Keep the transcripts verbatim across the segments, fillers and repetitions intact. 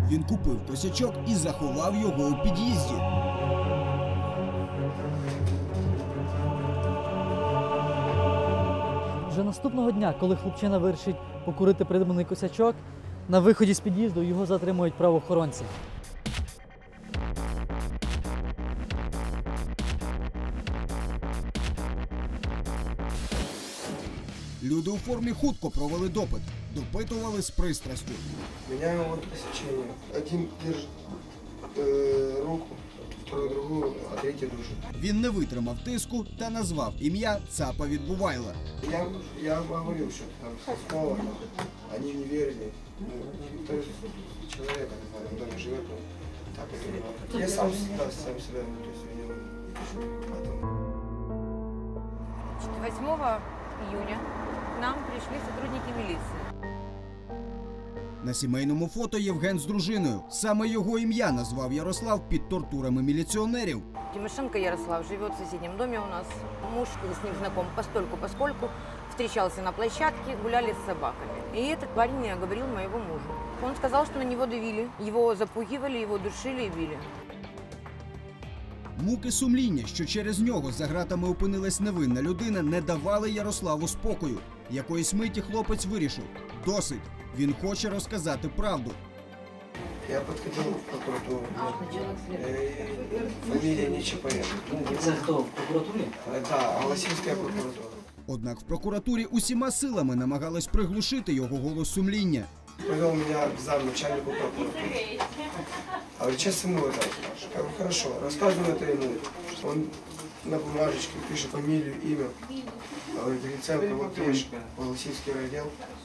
Він купив косячок і заховав його у під'їзді. Вже наступного дня, коли хлопчина вирішить покурити придбаний косячок, на виході з під'їзду його затримують правоохоронці. Люди у формі хутко провели допит. Допитували з пристрастю. Меняем посещение. Один держит э, руку, второй другую, а третий душит. Він не витримав тиску та назвав ім'я ЦАПа Відбувайла. Я, я говорил, что там снова, они не верили. Ну, то есть человек, который в доме живет, ну, так и говорит. Я сам, да, сам себя, ну, то есть, винил. восьмого июня к нам пришли сотрудники милиции. На сімейному фото Євген з дружиною. Саме його ім'я назвав Ярослав під тортурами міліціонерів. Тимошенко Ярослав живет в соседнем доме у нас. Муж с ним знаком постольку-поскольку. Встречался на площадке, гуляли с собаками. И этот парень оговорил моего мужа. Он сказал, что на него давили. Его запугивали, его душили и били. Муки сумління, що через нього за ґратами опинилась невинна людина, не давали Ярославу спокою. Якоїсь миті хлопець вирішив – досить. Він хоче розказати правду. Я подходил в прокуратуру. Фамилия не ЧП. Це хто? В прокуратурі? Да, Голосівська прокуратура. Однак в прокуратурі усіма силами намагались приглушити його голос сумління. Привел меня к замначальнику прокуратуры. А говорит, сейчас ему это расскажешь. Я говорю, хорошо, рассказываю это ему. Он на бумажечке пишет фамилию, имя. Говорит, Гриценко, вот есть Голосівський райотдел.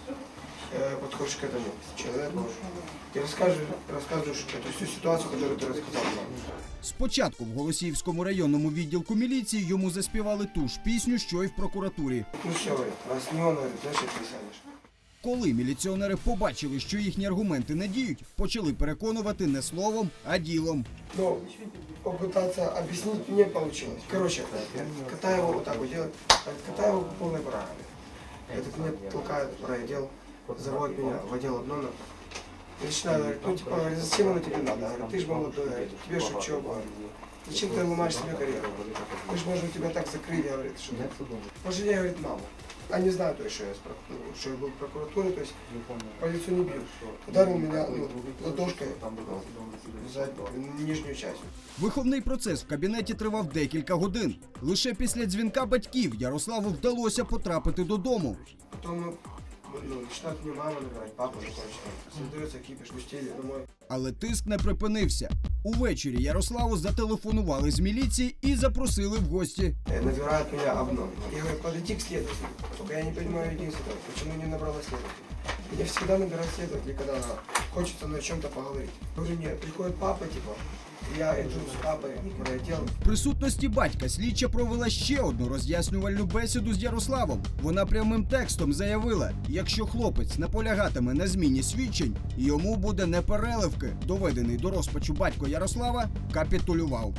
Подходишь к этому человеку и рассказываешь, рассказываешь эту всю ситуацию, которую ты рассказал нам. Спочатку в Голосіївському районному відділку міліції йому заспівали ту ж пісню, що й в прокуратурі. Ну все, говорит, раз не он, говорит, значит ты сядешь. Коли міліціонери побачили, що їхні аргументи не діють, почали переконувати не словом, а ділом. Но попытаться объяснить не получилось. Короче, Катаева вот так вот делает, Катаева по полной программе. Этот меня толкает в райотдел, заводит меня в отдел обнона. И начинаю говорить, ну типа, говорит, зачем оно тебе надо? Говорит, ты же молодой, говорит, тебе же учеба, говорит. Зачем ты ломаешь себе карьеру? Мы же можем тебя так закрыть, говорит, что пожалей, говорит, маму. Они знают, то, что я, что я был в прокуратуре, то есть по лицу не бил. Ударил меня ну, ладошкой за нижнюю часть. Виховний процес в кабінеті тривав декілька годин. Лише після дзвінка батьків Ярославу вдалося потрапити додому. Потім ну, починають мені мама набирати, папа закінчити. Создаються кіпіш, пустили домой. Але тиск не припинився. Увечері Ярославу зателефонували з міліції і запросили в гості. Набирають мене обнов. Я говорю, подойди к следователю. Только я не понимаю единственное, почему не набрала следователя. Меня всегда набирают следователя, когда хочется на чем-то поговорить. Я говорю, нет, приходит папа, типа, я иду с папой в райотдел. В присутності батька слідча провела ще одну роз'яснювальну бесіду з Ярославом. Вона прямим текстом заявила, якщо хлопець наполягатиме на зміні свідчень, йому буде непереливки. Доведений до розпачу батько Ярослава капітулював.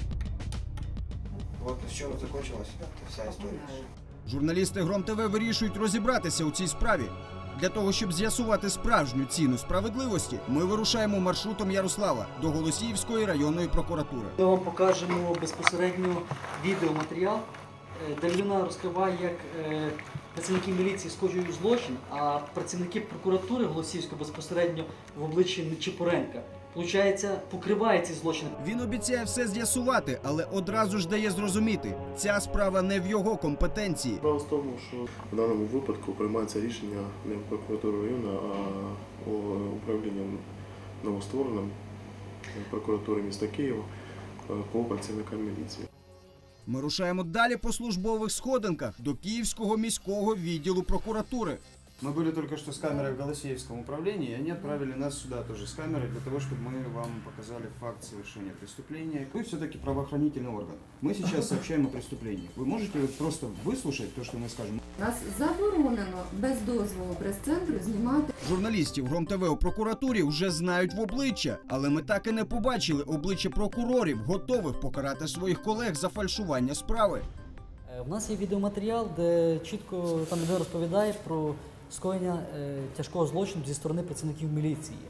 Вот на чому закінчилася вся історія. Журналісти Гром ТВ вирішують розібратися у цій справі. Для того, щоб з'ясувати справжню ціну справедливості, ми вирушаємо маршрутом Ярослава до Голосіївської районної прокуратури. Ми вам покажемо безпосередньо відеоматеріал, де людина розкриває, як працівники міліції скоюють злочин, а працівники прокуратури Голосіївської безпосередньо в обличчі Нечипоренка, получається, покриває ці злочини. Він обіцяє все з'ясувати, але одразу ж дає зрозуміти, ця справа не в його компетенції. Справа в тому, що в даному випадку приймається рішення не в прокуратурі району, а управлінням новоствореним прокуратури міста Києва по працівникам міліції. Ми рушаємо далі по службових сходинках до Київського міського відділу прокуратури. Мы были только что с камерой в Голосеевском управлении, и они отправили нас сюда тоже с камерой, для того, чтобы мы вам показали факт совершения преступления. Вы все-таки правоохранительный орган. Мы сейчас сообщаем о преступлении. Вы можете вот просто выслушать то, что мы скажем? Нас заборонено без дозволу прес-центру знімати. Журналістів Гром ТВ у прокуратурі вже знають в обличчя, але ми так і не побачили обличчя прокурорів, готових покарати своїх колег за фальшування справи. У нас є відеоматеріал, де чітко там людина розповідає про скоєння е, тяжкого злочину зі сторони працівників міліції.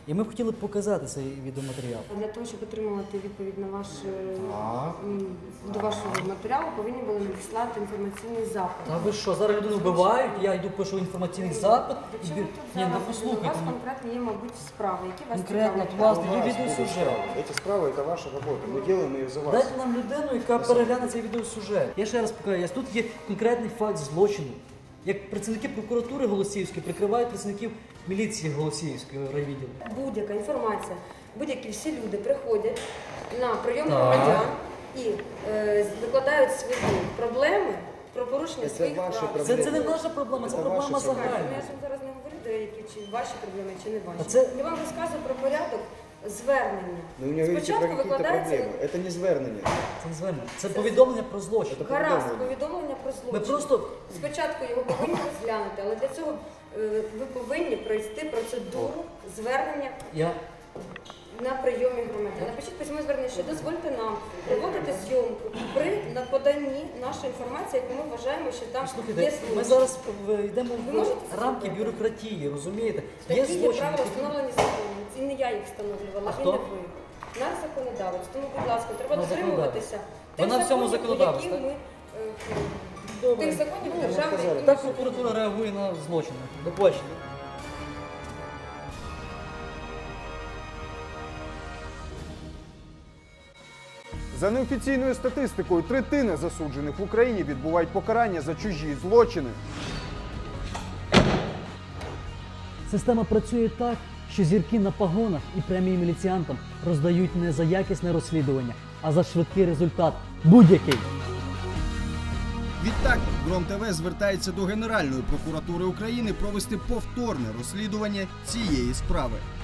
І ми б хотіли показати цей відеоматеріал. Для того, щоб отримувати відповідь на ваш, м, до вашого матеріалу, повинні були надіслати інформаційний запит. А ви що, зараз людину вбивають, я йду пишу інформаційний запит. До І... чого бі- тут Ні, ну зараз? У послухайте. вас ну, конкретно є, мабуть, справи, які вас Конкретно, цікавлять. власне, У є вас відеосюжет. будут справы. Эти справы – это ваша работа. Мы делаем ее за вас. Дайте нам людину, яка перегляне цей відеосюжет. Я ще раз покажу, тут є конкретний факт злочину. Як працівники прокуратури Голосіївської прикривають працівників міліції Голосіївської райвідділу. Будь-яка інформація, будь-які всі люди приходять на прийом Так. громадян і е, викладають свої проблеми про порушення Це своїх ваші прав. проблеми. Це, це не наша проблема, це Це проблема ваші проблеми. Ну, загальна. я ж вам зараз не говорю, деякі чи ваші проблеми, чи не ваші. А це- Я вам розказую про порядок звернення. Но у меня говорите про Спочатку какие-то викладається проблемы. Это не звернення. Це не звернення. Це повідомлення про злочин. Це гаразд повідомлення. повідомлення про злочин. Ми просто Спочатку його повинні розглянути, але для цього е, ви повинні пройти процедуру звернення я на прийомі громадян. Напишіть письмо звернення, що дозвольте нам проводити зйомку при на поданні нашої інформації, яку ми вважаємо, що там є слухайте, злочин. ми зараз в- йдемо Ви можете в це рамки зробити? бюрократії, розумієте? Є Такі є злочин. правила встановлені законом. Це не я їх встановлювала, А і хто? не ви. Наш законодавець. Тому, будь ласка, треба Ну, дотримуватися Вона в цьому законів, законодавець, які так? ми е, Добре. тих законів Ну, державної сказали. і Так прокуратура реагує на злочини. До побачення. За неофіційною статистикою, третина засуджених в Україні відбувають покарання за чужі злочини. Система працює так, що зірки на пагонах і премії міліціантам роздають не за якісне розслідування, а за швидкий результат будь-який. Відтак, Гром ТВ звертається до Генеральної прокуратури України провести повторне розслідування цієї справи.